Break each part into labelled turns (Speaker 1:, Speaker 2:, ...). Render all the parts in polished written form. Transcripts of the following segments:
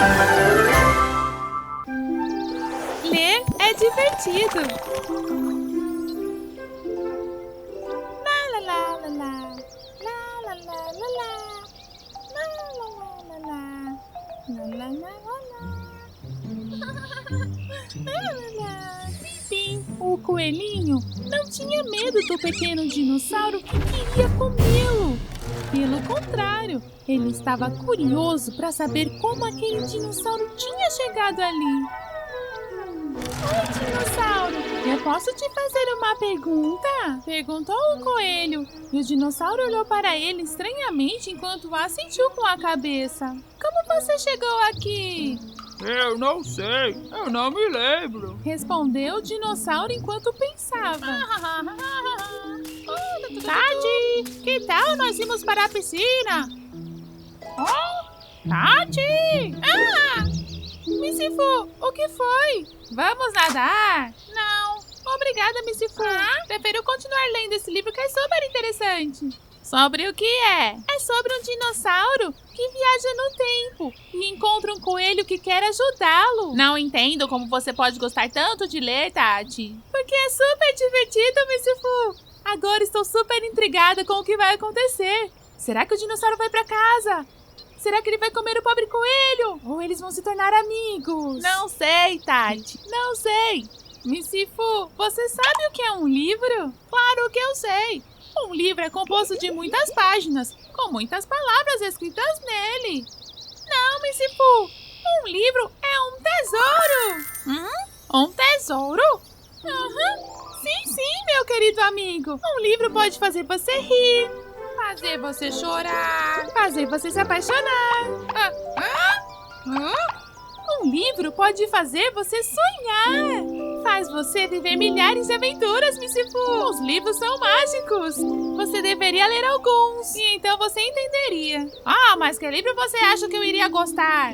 Speaker 1: Ler é divertido. La la la la la. La la la la la. La la la la la. La la la la la. Enfim, o coelhinho não tinha medo do pequeno dinossauro que queria comê-lo. Pelo contrário, ele estava curioso para saber como aquele dinossauro tinha chegado ali. Oi, dinossauro, eu posso te fazer uma pergunta? Perguntou o coelho, e o dinossauro olhou para ele estranhamente enquanto assentiu com a cabeça. Como você chegou aqui?
Speaker 2: Eu não sei, eu não me lembro.
Speaker 1: Respondeu o dinossauro enquanto pensava. Tati, que tal nós irmos para a piscina? Oh, Tati! Ah! Missifu, o que foi? Vamos nadar? Não. Obrigada, Missifu. Prefiro continuar lendo esse livro que é super interessante. Sobre o que é? É sobre um dinossauro que viaja no tempo e encontra um coelho que quer ajudá-lo. Não entendo como você pode gostar tanto de ler, Tati. Porque é super divertido, Missifu. Agora estou super intrigada com o que vai acontecer. Será que o dinossauro vai para casa? Será que ele vai comer o pobre coelho? Ou eles vão se tornar amigos? Não sei, Tati. Não sei. Missifu, você sabe o que é um livro? Claro que eu sei. Um livro é composto de muitas páginas, com muitas palavras escritas nele. Não, Missifu. Um livro é um tesouro. Um tesouro? Sim, meu querido amigo. Um livro pode fazer você rir, fazer você chorar, fazer você se apaixonar. Um livro pode fazer você sonhar. Faz você viver milhares de aventuras, Missifu. Os livros são mágicos. Você deveria ler alguns, e então você entenderia. Mas que livro você acha que eu iria gostar?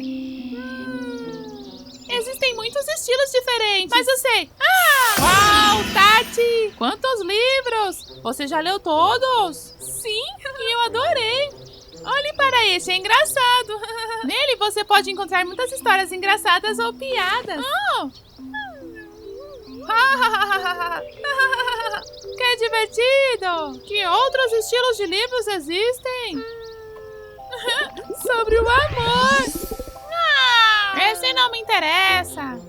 Speaker 1: Existem muitos estilos diferentes. Mas eu sei. Uau, Tati! Quantos livros! Você já leu todos? Sim, e eu adorei. Olhe para esse, é engraçado. Nele você pode encontrar muitas histórias engraçadas ou piadas. Que divertido! Que outros estilos de livros existem? Sobre o amor. Esse não me interessa.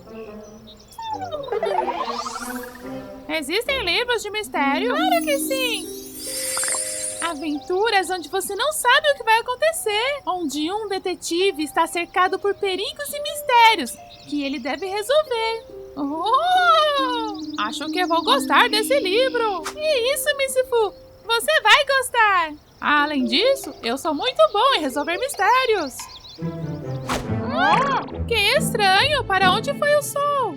Speaker 1: Existem livros de mistério? Claro que sim. Aventuras onde você não sabe o que vai acontecer. Onde um detetive está cercado por perigos e mistérios que ele deve resolver. Acho que eu vou gostar desse livro. E isso, Missifu, você vai gostar. Além disso, eu sou muito bom em resolver mistérios. Que estranho! Para onde foi o som?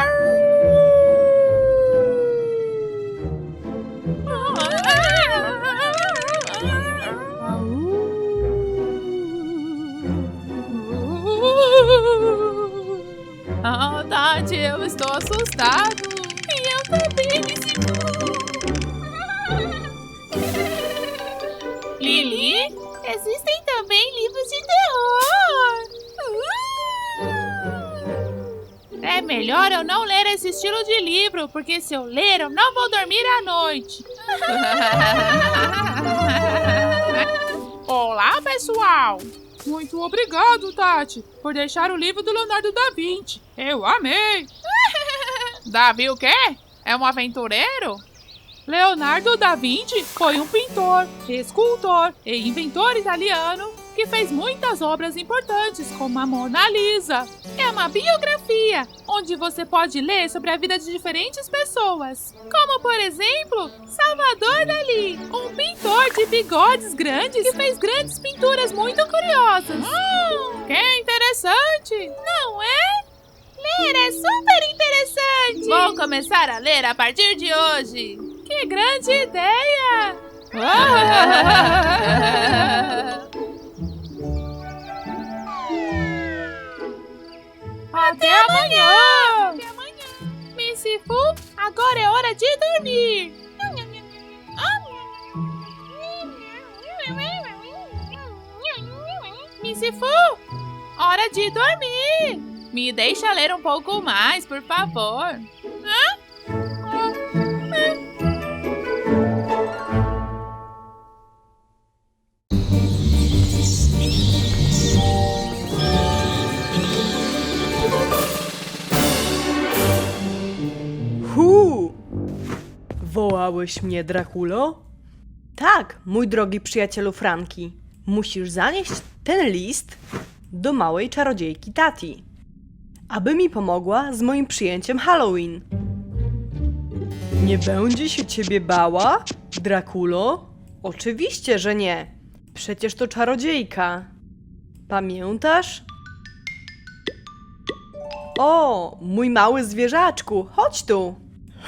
Speaker 1: Tati, eu estou assustado. E eu também, Lili, existem também livros de terror. É melhor eu não ler esse estilo de livro, porque se eu ler, eu não vou dormir à noite. Olá, pessoal! Muito obrigado, Tati, por deixar o livro do Leonardo da Vinci. Eu amei! Davi o quê? É um aventureiro? Leonardo da Vinci foi um pintor, escultor e inventor italiano que fez muitas obras importantes, como a Mona Lisa. É uma biografia, onde você pode ler sobre a vida de diferentes pessoas. Como, por exemplo, Salvador Dalí, um pintor de bigodes grandes que fez grandes pinturas muito curiosas. Que interessante! Não é? Ler é super interessante! Vou começar a ler a partir de hoje. Que grande ideia! Até amanhã! Missifu, agora é hora de dormir! Missifu? hora de dormir. Me deixa ler um pouco mais, por favor.
Speaker 3: Wołałeś mnie, Drakulo? Tak, mój drogi przyjacielu Franki. Musisz zanieść ten list do małej czarodziejki Tati, aby mi pomogła z moim przyjęciem Halloween. Nie będzie się ciebie bała, Drakulo? Oczywiście, że nie. Przecież to czarodziejka. Pamiętasz? O, mój mały zwierzaczku, chodź tu.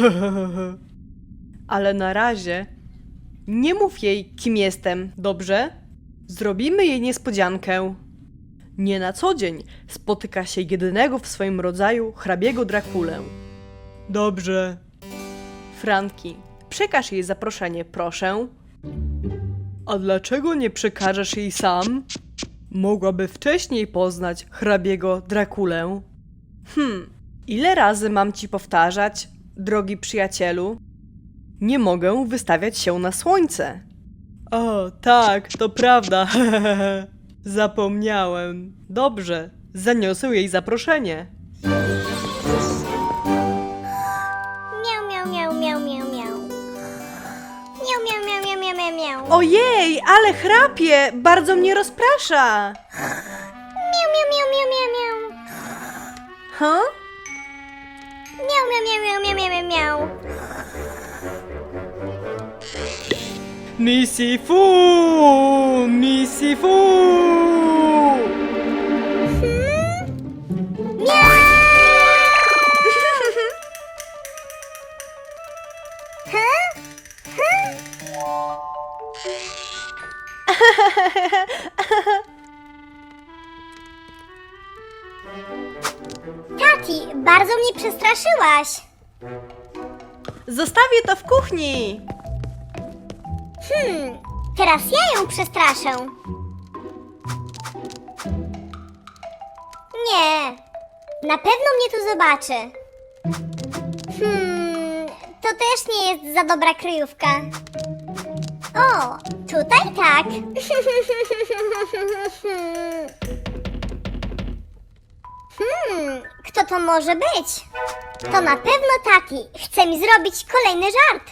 Speaker 3: Ale na razie nie mów jej, kim jestem, dobrze? Zrobimy jej niespodziankę. Nie na co dzień spotyka się jedynego w swoim rodzaju hrabiego Drakulę. Dobrze. Franki, przekaż jej zaproszenie, proszę. A dlaczego nie przekażesz jej sam? Mogłaby wcześniej poznać hrabiego Drakulę. Ile razy mam ci powtarzać, drogi przyjacielu? Nie mogę wystawiać się na słońce. O, tak, to prawda. Zapomniałem. Dobrze, zaniosę jej zaproszenie.
Speaker 4: Miau, miau, miau, miau, miau, miau. Miau, miau, miau, miau, miau, miau, miau.
Speaker 3: Ojej, ale chrapie, bardzo mnie rozprasza.
Speaker 4: Miau, miau, miau, miau, miau, miau.
Speaker 3: Ha?
Speaker 4: Miau, miau, miau, miau, miau, miau, miau.
Speaker 3: Misifu! Misifu!
Speaker 4: Tati, bardzo mnie przestraszyłaś.
Speaker 3: Zostawię to w kuchni.
Speaker 4: Teraz ja ją przestraszę. Nie, na pewno mnie tu zobaczy. To też nie jest za dobra kryjówka. O, tutaj tak. Kto to może być? To na pewno Tati chce mi zrobić kolejny żart.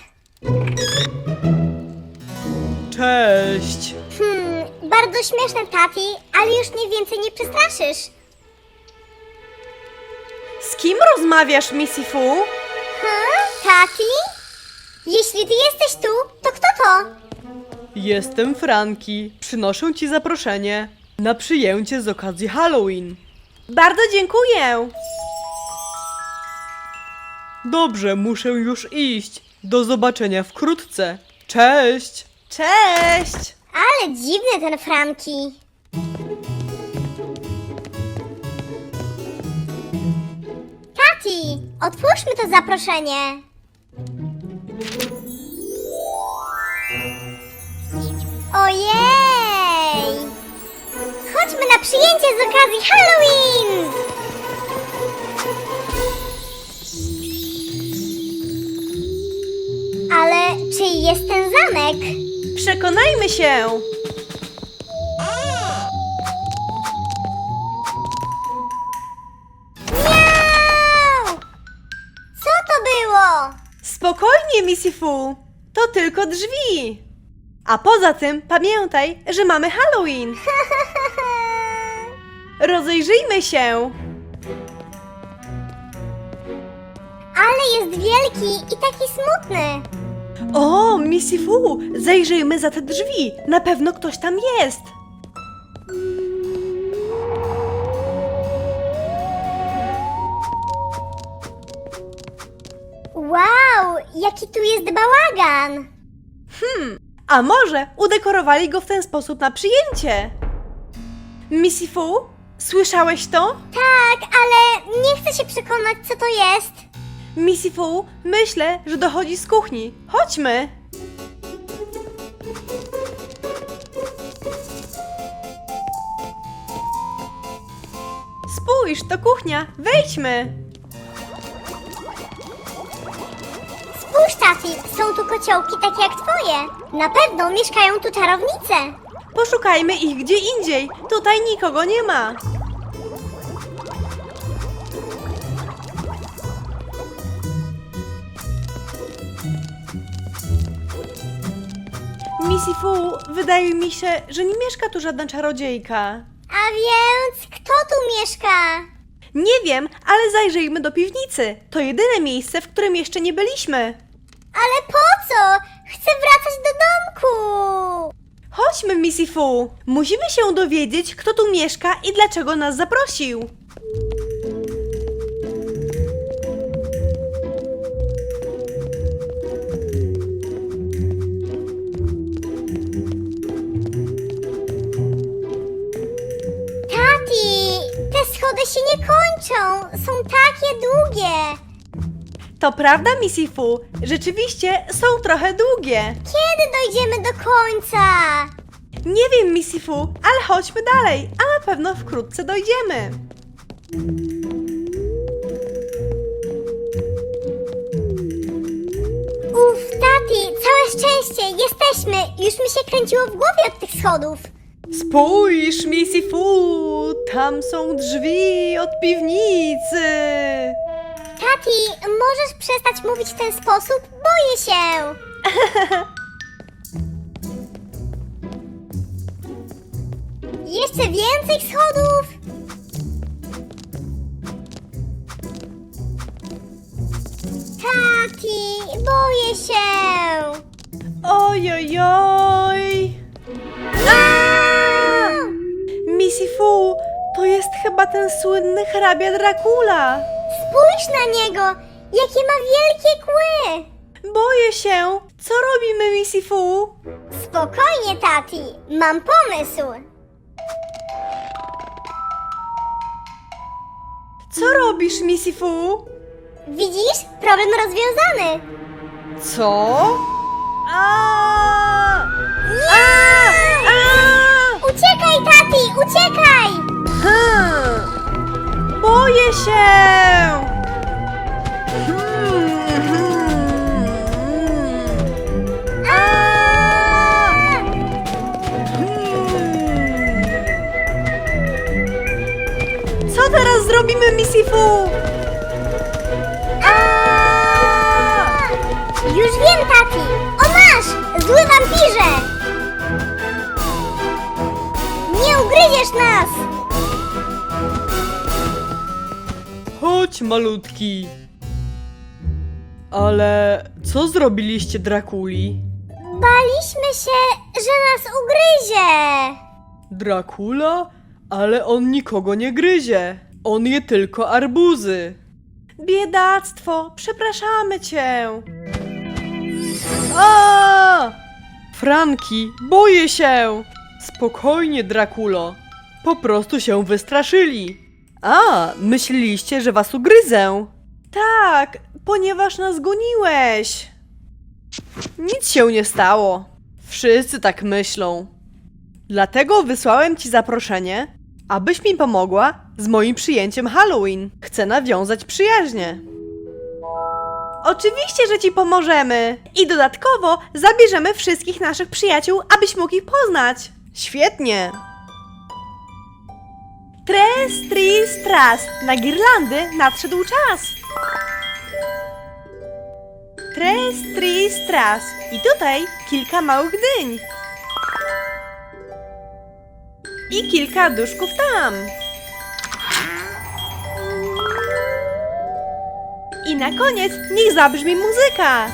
Speaker 3: Cześć.
Speaker 4: Bardzo śmieszne, Tati, ale już mnie więcej nie przestraszysz.
Speaker 3: Z kim rozmawiasz, Misifu?
Speaker 4: Tati? Jeśli ty jesteś tu, to kto to?
Speaker 3: Jestem Franki. Przynoszę ci zaproszenie na przyjęcie z okazji Halloween. Bardzo dziękuję. Dobrze, muszę już iść. Do zobaczenia wkrótce. Cześć. Cześć.
Speaker 4: Ale dziwny ten Franki. Tati, otwórzmy to zaproszenie. Ojej! Chodźmy na przyjęcie z okazji Halloween! Ale czyj jest ten zamek?
Speaker 3: Przekonajmy się.
Speaker 4: Miau! Co to było?
Speaker 3: Spokojnie, Misifu. To tylko drzwi. A poza tym pamiętaj, że mamy Halloween. Rozejrzyjmy się.
Speaker 4: Ale jest wielki i taki smutny.
Speaker 3: O, Misifu, zajrzyjmy za te drzwi. Na pewno ktoś tam jest.
Speaker 4: Wow, jaki tu jest bałagan.
Speaker 3: A może udekorowali go w ten sposób na przyjęcie? Misifu, słyszałeś to?
Speaker 4: Tak, ale nie chcę się przekonać, co to jest.
Speaker 3: Misifu, myślę, że dochodzi z kuchni. Chodźmy. Spójrz, to kuchnia, wejdźmy!
Speaker 4: Spójrz, Tati, są tu kociołki takie jak twoje. Na pewno mieszkają tu czarownice.
Speaker 3: Poszukajmy ich gdzie indziej, tutaj nikogo nie ma. Missy Fu, wydaje mi się, że nie mieszka tu żadna czarodziejka.
Speaker 4: A więc kto tu mieszka?
Speaker 3: Nie wiem, ale zajrzyjmy do piwnicy. To jedyne miejsce, w którym jeszcze nie byliśmy.
Speaker 4: Ale po co? Chcę wracać do domku.
Speaker 3: Chodźmy, Missy Fu. Musimy się dowiedzieć, kto tu mieszka i dlaczego nas zaprosił.
Speaker 4: Tati, te schody się nie kończą. Są takie długie.
Speaker 3: To prawda, Missy Fu. Rzeczywiście są trochę długie.
Speaker 4: Kiedy dojdziemy do końca?
Speaker 3: Nie wiem, Missy Fu, ale chodźmy dalej, a na pewno wkrótce dojdziemy.
Speaker 4: Uff, Tati, całe szczęście, jesteśmy. Już mi się kręciło w głowie od tych schodów.
Speaker 3: Spójrz, Missy Fu, tam są drzwi od piwnicy.
Speaker 4: Tati, możesz przestać mówić w ten sposób? Boję się. Jeszcze więcej schodów? Tati, boję się.
Speaker 3: Ojojoj. Missy Fu, to jest chyba ten słynny hrabia Dracula.
Speaker 4: Spójrz na niego, jakie ma wielkie kły.
Speaker 3: Boję się. Co robimy, Missy Fu?
Speaker 4: Spokojnie, Tati, mam pomysł.
Speaker 3: Co robisz, Missy Fu?
Speaker 4: Widzisz? Problem rozwiązany.
Speaker 3: Co? A!
Speaker 4: Uciekaj, Tati, uciekaj!
Speaker 3: Boję się! Co teraz zrobimy, Missy Fu?
Speaker 4: Już wiem, Tati! O masz! Zły wampirze! Nie ugryziesz nas!
Speaker 3: Chodź, malutki. Ale co zrobiliście Drakuli?
Speaker 4: Baliśmy się, że nas ugryzie!
Speaker 3: Dracula? Ale on nikogo nie gryzie. On je tylko arbuzy. Biedactwo, przepraszamy cię. A! Franki, boję się. Spokojnie, Draculo. Po prostu się wystraszyli. A, myśleliście, że was ugryzę? Tak, ponieważ nas goniłeś. Nic się nie stało. Wszyscy tak myślą. Dlatego wysłałem ci zaproszenie, abyś mi pomogła z moim przyjęciem Halloween. Chcę nawiązać przyjaźnie. Oczywiście, że ci pomożemy. I dodatkowo zabierzemy wszystkich naszych przyjaciół, abyś mógł ich poznać. Świetnie. Tres, tris, tras. Na girlandy nadszedł czas. Tres, tris, tras. I tutaj kilka małych dyń. I kilka duszków tam. I na koniec niech zabrzmi muzyka.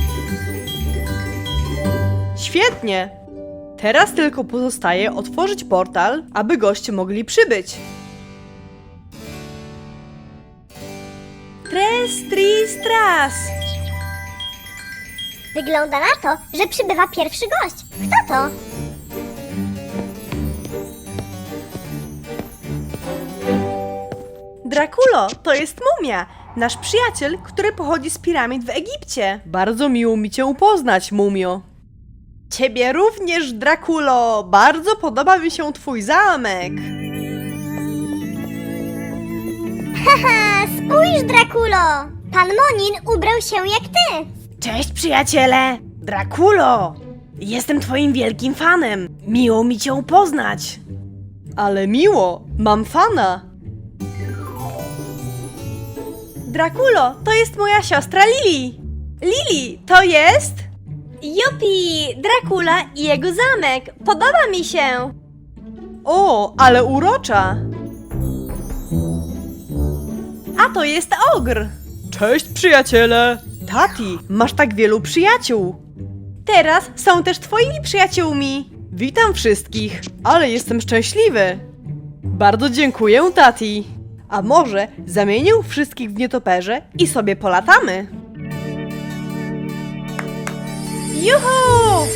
Speaker 3: Świetnie. Teraz tylko pozostaje otworzyć portal, aby goście mogli przybyć. Tres, tris, tras.
Speaker 4: Wygląda na to, że przybywa pierwszy gość. Kto to?
Speaker 3: Draculo, to jest mumia, nasz przyjaciel, który pochodzi z piramid w Egipcie. Bardzo miło mi cię poznać, mumio. Ciebie również, Draculo. Bardzo podoba mi się twój zamek.
Speaker 4: Haha, spójrz, Drakulo! Pan Monin ubrał się jak ty.
Speaker 3: Cześć, przyjaciele! Drakulo! Jestem twoim wielkim fanem. Miło mi cię poznać. Ale miło, mam fana. Drakulo, to jest moja siostra Lili. Lili, to jest...
Speaker 5: Jupi, Dracula i jego zamek. Podoba mi się.
Speaker 3: O, ale urocza. A to jest ogr. Cześć, przyjaciele. Tati, masz tak wielu przyjaciół. Teraz są też twoimi przyjaciółmi. Witam wszystkich, ale jestem szczęśliwy. Bardzo dziękuję, Tati. A może zamienię wszystkich w nietoperze i sobie polatamy? Juhu!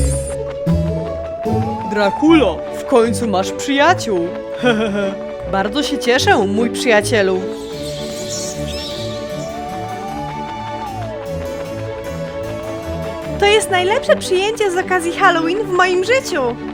Speaker 3: Drakulo, w końcu masz przyjaciół. Bardzo się cieszę, mój przyjacielu. To jest najlepsze przyjęcie z okazji Halloween w moim życiu.